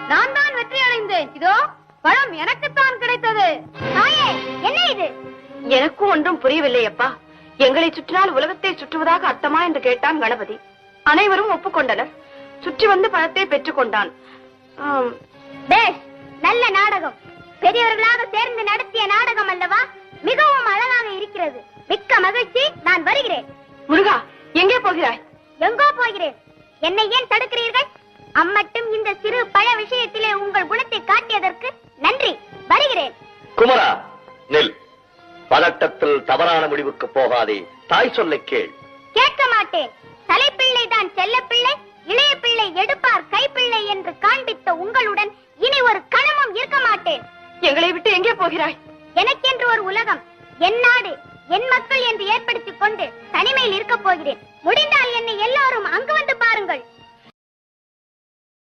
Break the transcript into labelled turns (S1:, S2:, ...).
S1: நான் தான் வெற்றி அடைந்தேன். இதோ பழம் எனக்குத்தான் கிடைத்தது.
S2: தாயே, என்ன இது?
S1: எனக்கும் ஒன்றும் புரியவில்லை அப்பா. எங்களை சுற்றினால் உலகத்தை சுற்றுவதாக அர்த்தமா என்று கேட்டான் கணபதி. அனைவரும் ஒப்புக்கொண்டனர். சுற்றி வந்து பழத்தை பெற்றுக் கொண்டான்.
S2: பேஷ், நல்ல நாடகம். பெரியவர்களாக சேர்ந்து நடத்திய நாடகம் அல்லவா? மிகவும் அழகாக இருக்கிறது. மிக்க மகிழ்ச்சி. நான் வருகிறேன்.
S1: முருகா, எங்கே போகிறாய்?
S2: எங்கோ போகிறேன். என்னை ஏன் தடுக்கிறீர்கள்? அம்மட்டும் இந்த சிறு பழ விஷயத்திலே உங்கள் குணத்தை காட்டியதற்கு நன்றி. வருகிறேன்.
S3: குமரா, நெல். பதட்டத்தில் தவறான முடிவுக்கு போகாதே. தாய் சொல்லை கேள்.
S2: கேட்க மாட்டேன். தலைப்பிள்ளை தான் செல்ல பிள்ளை, இளைய பிள்ளை எடுப்பார் கைப்பிள்ளை என்று காண்பித்த உங்களுடன் இனி ஒரு கணமும் இருக்க மாட்டேன்.
S1: எங்களை விட்டு எங்கே போகிறாய்?
S2: எனக்கென்று ஒரு உலகம், என் நாடு, என் மக்கள் என்று ஏற்படுத்திக் கொண்டு தனிமையில் இருக்க போகிறேன். முடிந்தால்